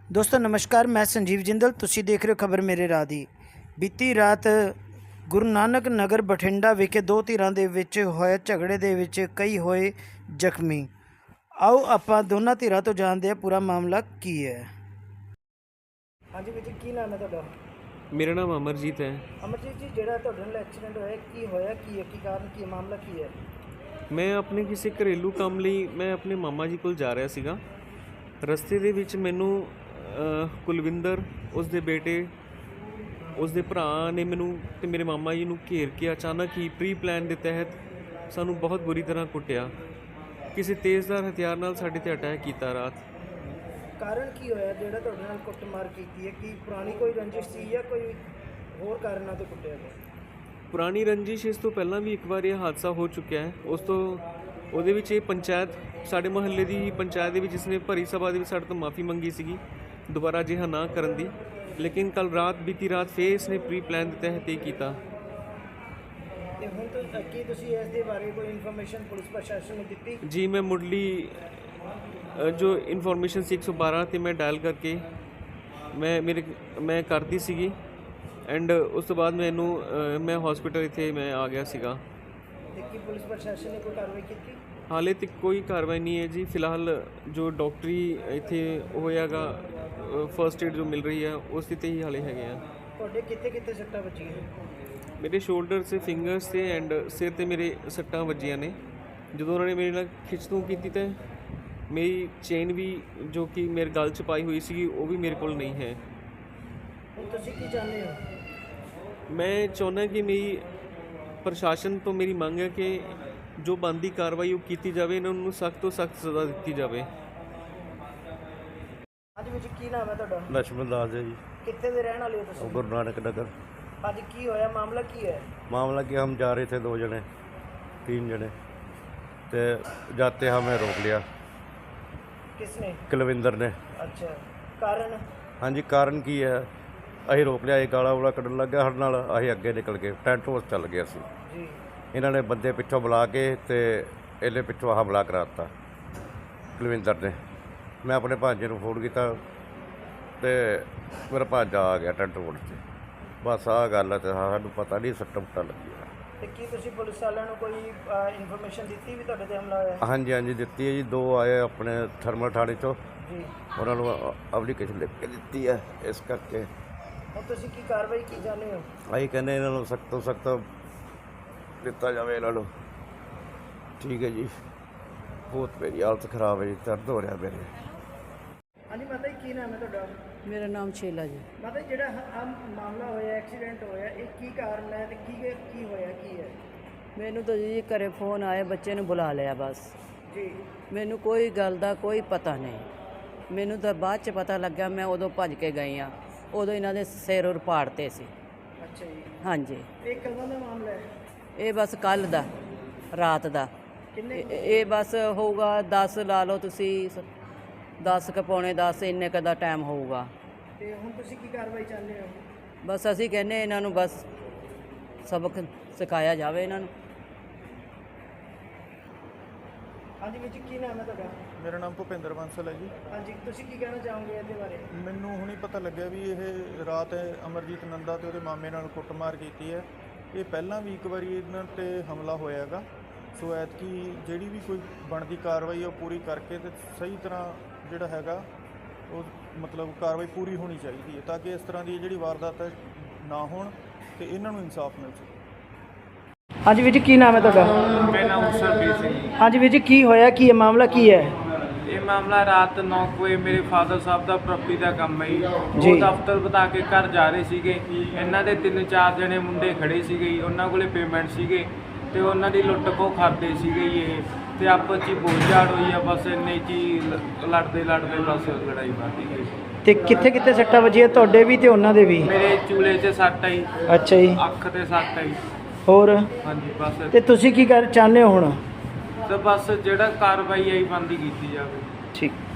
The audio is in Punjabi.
ਦੋਸਤੋ ਨਮਸਕਾਰ, ਮੈਂ ਸੰਜੀਵ ਜਿੰਦਲ। ਤੁਸੀਂ ਦੇਖ ਰਹੇ ਹੋ ਖਬਰ ਮੇਰੇ ਰਾਹ ਦੀ। ਬੀਤੀ ਰਾਤ ਗੁਰੂ ਨਾਨਕ ਨਗਰ ਬਠਿੰਡਾ ਵਿਖੇ ਦੋ ਧਿਰਾਂ ਦੇ ਵਿੱਚ ਹੋਏ ਝਗੜੇ ਦੇ ਵਿੱਚ ਕਈ ਹੋਏ ਜ਼ਖਮੀ। ਆਓ ਆਪਾਂ ਦੋਨਾਂ ਧਿਰਾਂ ਤੋਂ ਜਾਣਦੇ ਹਾਂ ਪੂਰਾ ਮਾਮਲਾ ਕੀ ਹੈ। ਹਾਂਜੀ ਵੀਰ ਜੀ, ਕੀ ਨਾਮ ਹੈ ਤੁਹਾਡਾ? ਮੇਰਾ ਨਾਮ ਅਮਰਜੀਤ ਹੈ। ਅਮਰਜੀਤ ਜੀ, ਜਿਹੜਾ ਤੁਹਾਡੇ ਨਾਲ ਐਕਸੀਡੈਂਟ ਹੋਇਆ ਕੀ ਹੋਇਆ, ਕੀ ਹੈ, ਕੀ ਕਾਰਨ, ਕੀ ਮਾਮਲਾ ਕੀ ਹੈ? ਮੈਂ ਆਪਣੇ ਕਿਸੇ ਘਰੇਲੂ ਕੰਮ ਲਈ ਮੈਂ ਆਪਣੇ ਮਾਮਾ ਜੀ ਕੋਲ ਜਾ ਰਿਹਾ ਸੀਗਾ। ਰਸਤੇ ਦੇ ਵਿੱਚ ਮੈਨੂੰ ਕੁਲਵਿੰਦਰ, ਉਸ ਦੇ ਬੇਟੇ, ਉਸ ਦੇ ਭਰਾ ਨੇ ਮੈਨੂੰ ਅਤੇ ਮੇਰੇ ਮਾਮਾ ਜੀ ਨੂੰ ਘੇਰ ਕੇ ਅਚਾਨਕ ਹੀ ਪ੍ਰੀ ਪਲਾਨ ਦੇ ਤਹਿਤ ਸਾਨੂੰ ਬਹੁਤ ਬੁਰੀ ਤਰ੍ਹਾਂ ਕੁੱਟਿਆ। ਕਿਸੇ ਤੇਜ਼ਧਾਰ ਹਥਿਆਰ ਨਾਲ ਸਾਡੇ 'ਤੇ ਅਟੈਕ ਕੀਤਾ ਰਾਤ। ਕਾਰਨ ਕੀ ਹੋਇਆ ਜਿਹੜਾ ਤੁਹਾਡੇ ਨਾਲ ਕੁੱਟਮਾਰ ਕੀਤੀ ਹੈ? ਕੀ ਪੁਰਾਣੀ ਕੋਈ ਰੰਜਿਸ਼ ਸੀ ਜਾਂ ਕੋਈ ਹੋਰ ਕਾਰਨਾਂ ਤੋਂ ਕੁੱਟਿਆ ਗਿਆ? ਪੁਰਾਣੀ ਰੰਜਿਸ਼, ਇਸ ਤੋਂ ਪਹਿਲਾਂ ਵੀ ਇੱਕ ਵਾਰ ਇਹ ਹਾਦਸਾ ਹੋ ਚੁੱਕਿਆ ਹੈ। ਉਸ ਤੋਂ ਉਹਦੇ ਵਿੱਚ ਇਹ ਪੰਚਾਇਤ, ਸਾਡੇ ਮੁਹੱਲੇ ਦੀ ਪੰਚਾਇਤ ਦੇ ਵਿੱਚ ਇਸਨੇ ਭਰੀ ਸਭਾ ਦੇ ਵਿੱਚ ਸਾਡੇ ਤੋਂ ਮਾफ़ੀ ਮੰਗੀ ਸੀਗੀ ਦੁਬਾਰਾ ਅਜਿਹਾ ਨਾ ਕਰਨ ਦੀ। ਲੇਕਿਨ ਕੱਲ੍ਹ ਰਾਤ, ਬੀਤੀ ਰਾਤ ਫੇਰ ਇਸਨੇ ਪ੍ਰੀ ਪਲਾਨ ਦੇ ਤਹਿਤ ਇਹ ਕੀਤਾ। ਤੇ ਹੁਣ ਤੋਂ ਕੀ ਤੁਸੀਂ ਇਸ ਦੇ ਬਾਰੇ ਕੋਈ ਇਨਫੋਰਮੇਸ਼ਨ ਪੁਲਿਸ ਪ੍ਰਸ਼ਾਸਨ ਨੂੰ ਦਿੱਤੀ? ਜੀ, ਮੈਂ ਮੁੱਢਲੀ ਜੋ ਇਨਫੋਰਮੇਸ਼ਨ ਸੀ 112 'ਤੇ ਮੈਂ ਡਾਇਲ ਕਰਕੇ ਮੈਂ ਕਰਤੀ ਸੀਗੀ। ਐਂਡ ਉਸ ਤੋਂ ਬਾਅਦ ਮੈਂ ਹਸਪੀਟਲ ਇੱਥੇ ਮੈਂ ਆ ਗਿਆ ਸੀਗਾ। ਤੇ ਕੀ ਪੁਲਿਸ ਪ੍ਰਸ਼ਾਸਨ ਨੇ ਕੋਈ ਕਾਰਵਾਈ ਕੀਤੀ? ਹਾਲੇ ਤੱਕ ਕੋਈ ਕਾਰਵਾਈ ਨਹੀਂ ਹੈ ਜੀ। ਫਿਲਹਾਲ ਜੋ ਡਾਕਟਰੀ ਇੱਥੇ ਹੋਇਆਗਾ, ਫਸਟ ਏਡ ਜੋ ਮਿਲ ਰਹੀ ਹੈ ਉਸ ਦੀ 'ਤੇ ਹੀ ਹਾਲੇ ਹੈਗੇ ਆ। ਤੁਹਾਡੇ ਕਿੱਥੇ ਕਿੱਥੇ ਸੱਟਾਂ ਵੱਜੀਆਂ? ਮੇਰੇ ਸ਼ੋਲਡਰ 'ਤੇ, ਫਿੰਗਰਸ 'ਤੇ ਐਂਡ ਸਿਰ 'ਤੇ ਮੇਰੇ ਸੱਟਾਂ ਵੱਜੀਆਂ ਨੇ। ਜਦੋਂ ਉਹਨਾਂ ਨੇ ਮੇਰੇ ਨਾਲ ਖਿੱਚਤੂ ਕੀਤੀ ਤਾਂ ਮੇਰੀ ਚੇਨ ਵੀ ਜੋ ਕਿ ਮੇਰੇ ਗਲ 'ਚ ਪਾਈ ਹੋਈ ਸੀਗੀ ਉਹ ਵੀ ਮੇਰੇ ਕੋਲ ਨਹੀਂ ਹੈ। ਹੁਣ ਤੁਸੀਂ ਕੀ ਚਾਹੁੰਦੇ ਹੋ? ਮੈਂ ਚਾਹੁੰਦਾ ਕਿ ਮੇਰੀ ਪ੍ਰਸ਼ਾਸਨ ਤੋਂ ਮੇਰੀ ਮੰਗ ਹੈ ਕਿ ਜੋ ਬਣਦੀ ਕਾਰਵਾਈ ਉਹ ਕੀਤੀ ਜਾਵੇ, ਇਹਨਾਂ ਨੂੰ ਸਖਤ ਤੋਂ ਸਖਤ ਸਜ਼ਾ ਦਿੱਤੀ ਜਾਵੇ। ਅੱਜ ਵਿੱਚ ਕੀ ਨਾਮ ਹੈ ਤੁਹਾਡਾ? ਲਛਮਣ ਦਾਸ ਹੈ ਜੀ। ਕਿੱਥੇ ਦੇ ਰਹਿਣ ਵਾਲੇ ਹੋ ਤੁਸੀਂ? गुरु नानक नगर। ਅੱਜ ਕੀ ਹੋਇਆ, ਮਾਮਲਾ ਕੀ ਹੈ? मामला कि हम जा रहे थे 2 जने 3 जने, तो जाते हमें रोक लिया किसने? कुलविंदर ने। अच्छा, कारण? हाँ जी, कारण की है, ਅਸੀਂ ਰੋਕ ਲਿਆ। ਇਹ ਗਾਲਾਂ ਵਾਲਾ ਕੱਢਣ ਲੱਗਾ ਸਾਡੇ ਨਾਲ। ਅਸੀਂ ਅੱਗੇ ਨਿਕਲ ਗਏ, ਟੈਂਟ ਹਾਊਸ ਚੱਲ ਗਏ ਅਸੀਂ। ਜੀ। ਇਹਨਾਂ ਨੇ ਬੰਦੇ ਪਿੱਛੋਂ ਬੁਲਾ ਕੇ ਤੇ ਇਹਨੇ ਪਿੱਛੋਂ ਹਮਲਾ ਕਰਾ ਦਿੱਤਾ ਕੁਲਵਿੰਦਰ ਨੇ। ਮੈਂ ਆਪਣੇ ਭਾਂਜੇ ਨੂੰ ਫੋਨ ਕੀਤਾ ਤੇ ਮੇਰਾ ਭਾਂਜਾ ਆ ਗਿਆ ਟੈਂਟ ਹਾਊਸ 'ਤੇ। ਬਸ ਆਹ ਗੱਲ ਹੈ। ਤੇ ਸਾਨੂੰ ਪਤਾ ਨਹੀਂ ਸੱਟਾਂ ਫੁੱਟਾਂ ਲੱਗੀਆਂ। ਤੇ ਕੀ ਤੁਸੀਂ ਪੁਲਿਸ ਵਾਲਿਆਂ ਨੂੰ ਕੋਈ ਇਨਫੋਰਮੇਸ਼ਨ ਦਿੱਤੀ ਵੀ ਤੁਹਾਡੇ ਤੇ ਹਮਲਾ ਹੋਇਆ? ਹਾਂਜੀ ਹਾਂਜੀ, ਦਿੱਤੀ ਹੈ ਜੀ। 2 ਆਏ ਆਪਣੇ ਥਰਮਲ ਥਾਣੇ 'ਚੋਂ, ਜੀ। ਉਹਨਾਂ ਨੂੰ ਐਪਲੀਕੇਸ਼ਨ ਲਿਖ ਕੇ ਦਿੱਤੀ ਹੈ। ਇਸ ਕਰਕੇ ਹੁਣ ਤੁਸੀਂ ਕੀ ਕਾਰਵਾਈ ਕੀ ਚਾਹੁੰਦੇ ਹੋ? ਅਸੀਂ ਕਹਿੰਦੇ ਇਹਨਾਂ ਨੂੰ ਸਖਤ ਤੋਂ ਸਖਤ ਦਿੱਤਾ ਜਾਵੇ ਇਹਨਾਂ ਨੂੰ। ਠੀਕ ਹੈ ਜੀ। ਬਹੁਤ ਮੇਰੀ ਹਾਲਤ ਖਰਾਬ ਹੈ ਜੀ, ਦਰਦ ਹੋ ਰਿਹਾ ਮੇਰੇ। ਹਾਂਜੀ ਮਾਤਾ ਜੀ, ਕੀ ਨਾਮ ਹੈ ਤੁਹਾਡਾ? ਮੇਰਾ ਨਾਮ ਸ਼ੀਲਾ ਜੀ। ਮਾਤਾ ਜੀ, ਜਿਹੜਾ ਮਾਮਲਾ ਹੋਇਆ, ਐਕਸੀਡੈਂਟ ਹੋਇਆ, ਇਹ ਕੀ ਕਾਰਨ ਹੈ ਤੇ ਕੀ ਹੋਇਆ, ਕੀ ਹੈ? ਮੈਨੂੰ ਤਾਂ ਜੀ ਘਰੇ ਫੋਨ ਆਇਆ, ਬੱਚੇ ਨੂੰ ਬੁਲਾ ਲਿਆ ਬਸ। ਜੀ। ਮੈਨੂੰ ਕੋਈ ਗੱਲ ਦਾ ਕੋਈ ਪਤਾ ਨਹੀਂ। ਮੈਨੂੰ ਤਾਂ ਬਾਅਦ 'ਚ ਪਤਾ ਲੱਗਾ। ਮੈਂ ਉਦੋਂ ਭੱਜ ਕੇ ਗਈ ਆ। ਉਦੋਂ ਇਹਨਾਂ ਦੇ ਸਿਰ ਉਰ ਪਾੜਤੇ ਸੀ। ਅੱਛਾ ਜੀ। ਹਾਂਜੀ। ਇਹ ਕਦੋਂ ਦਾ ਮਾਮਲਾ ਹੈ? ਇਹ ਬਸ ਕੱਲ ਦਾ, ਰਾਤ ਦਾ। ਕਿੰਨੇ? ਇਹ ਬਸ ਹੋਊਗਾ 10 ਲਾ ਲਓ ਤੁਸੀਂ, 10 ਕੁ ਪੌਣੇ 10 ਇੰਨੇ ਕੁ ਦਾ ਟਾਈਮ ਹੋਊਗਾ। ਤੇ ਹੁਣ ਤੁਸੀਂ ਕੀ ਕਾਰਵਾਈ ਚਾਹੁੰਦੇ ਹੋ? ਬਸ ਅਸੀਂ ਕਹਿੰਦੇ ਇਹਨਾਂ ਨੂੰ ਬਸ ਸਬਕ ਸਿਖਾਇਆ ਜਾਵੇ ਇਹਨਾਂ ਨੂੰ। ਹਾਂਜੀ ਵੀਰ ਜੀ, ਕੀ ਨਾਮ ਹੈ ਤੁਹਾਡਾ? ਮੇਰਾ ਨਾਮ ਭੁਪਿੰਦਰ ਬਾਂਸਲ ਹੈ ਜੀ। ਹਾਂਜੀ, ਤੁਸੀਂ ਕੀ ਕਹਿਣਾ ਚਾਹੋਗੇ ਇਹਦੇ ਬਾਰੇ? ਮੈਨੂੰ ਹੁਣੀ ਪਤਾ ਲੱਗਿਆ ਵੀ ਇਹ ਰਾਤ ਅਮਰਜੀਤ ਨੰਦਾ ਤੇ ਉਹਦੇ ਮਾਮੇ ਨਾਲ ਕੁੱਟਮਾਰ ਕੀਤੀ ਹੈ। ਇਹ ਪਹਿਲਾਂ ਵੀ ਇੱਕ ਵਾਰੀ ਇਹਨਾਂ 'ਤੇ ਹਮਲਾ ਹੋਇਆ ਹੈਗਾ। ਸੋ ਐਤਕੀ ਜਿਹੜੀ ਵੀ ਕੋਈ ਬਣਦੀ ਕਾਰਵਾਈ ਉਹ ਪੂਰੀ ਕਰਕੇ ਤੇ ਸਹੀ ਤਰ੍ਹਾਂ ਜਿਹੜਾ ਹੈਗਾ ਉਹ ਮਤਲਬ ਕਾਰਵਾਈ ਪੂਰੀ ਹੋਣੀ ਚਾਹੀਦੀ ਹੈ, ਤਾਂ ਕਿ ਇਸ ਤਰ੍ਹਾਂ ਦੀ ਜਿਹੜੀ ਵਾਰਦਾਤ ਨਾ ਹੋਣ ਤੇ ਇਹਨਾਂ ਨੂੰ ਇਨਸਾਫ ਮਿਲ ਸਕੇ। ਹਾਂਜੀ ਵੀਰ ਜੀ, ਕੀ ਨਾਮ ਹੈ ਤੁਹਾਡਾ? ਮੇਰਾ ਨਾਮ ਸਰਬੀਰ ਸਿੰਘ ਜੀ। ਹਾਂਜੀ ਵੀਰ ਜੀ, ਕੀ ਹੋਇਆ, ਕੀ ਹੈ ਮਾਮਲਾ, ਕੀ ਹੈ? ਇਹ ਮਾਮਲਾ ਰਾਤ 9 ਵਜੇ ਮੇਰੇ ਫਾਦਰ ਸਾਹਿਬ ਦਾ ਪ੍ਰਾਪਰਟੀ ਦਾ ਕੰਮ ਹੈ ਜੀ। ਜੀ। ਉਹ ਦਫ਼ਤਰ ਬਤਾ ਕੇ ਘਰ ਜਾ ਰਹੇ ਸੀਗੇ। ਇਹਨਾਂ ਦੇ 3-4 ਜਣੇ ਮੁੰਡੇ ਖੜੇ ਸੀਗੇ ਜੀ। ਉਹਨਾਂ ਕੋਲੇ ਪੇਮੈਂਟ ਸੀਗੇ ਤੇ ਉਹਨਾਂ ਦੀ ਲੁੱਟ ਖੋਹ ਕਰਦੇ ਸੀਗੇ ਜੀ ਇਹ। ਤੇ ਆਪਸ 'ਚ ਬੋਝਾੜ ਹੋਈ ਆ। ਬਸ ਇੰਨੇ 'ਚ ਹੀ ਲੜਦੇ ਬਸ ਲੜਾਈ ਵੱਧ ਗਈ। ਤੇ ਕਿੱਥੇ ਕਿੱਥੇ ਸੱਟਾਂ ਵੱਜੀਆਂ ਤੁਹਾਡੇ ਵੀ ਤੇ ਉਹਨਾਂ ਦੇ ਵੀ? ਮੇਰੇ ਚੂਲੇ 'ਚ ਸੱਟ ਆਈ, ਅੱਛਾ ਜੀ। ਅੱਖ ਤੇ ਸੱਟ ਆਈ। ਹੋਰ? ਹਾਂਜੀ ਬਸ। ਤੇ ਤੁਸੀਂ ਕੀ ਕਰ ਚਾਹੁੰਦੇ ਹੋ ਹੁਣ? ਤੇ ਬਸ ਜਿਹੜਾ ਕਾਰਵਾਈ ਆਈ ਬੰਦੀ ਕੀਤੀ ਜਾਵੇ। ਠੀਕ।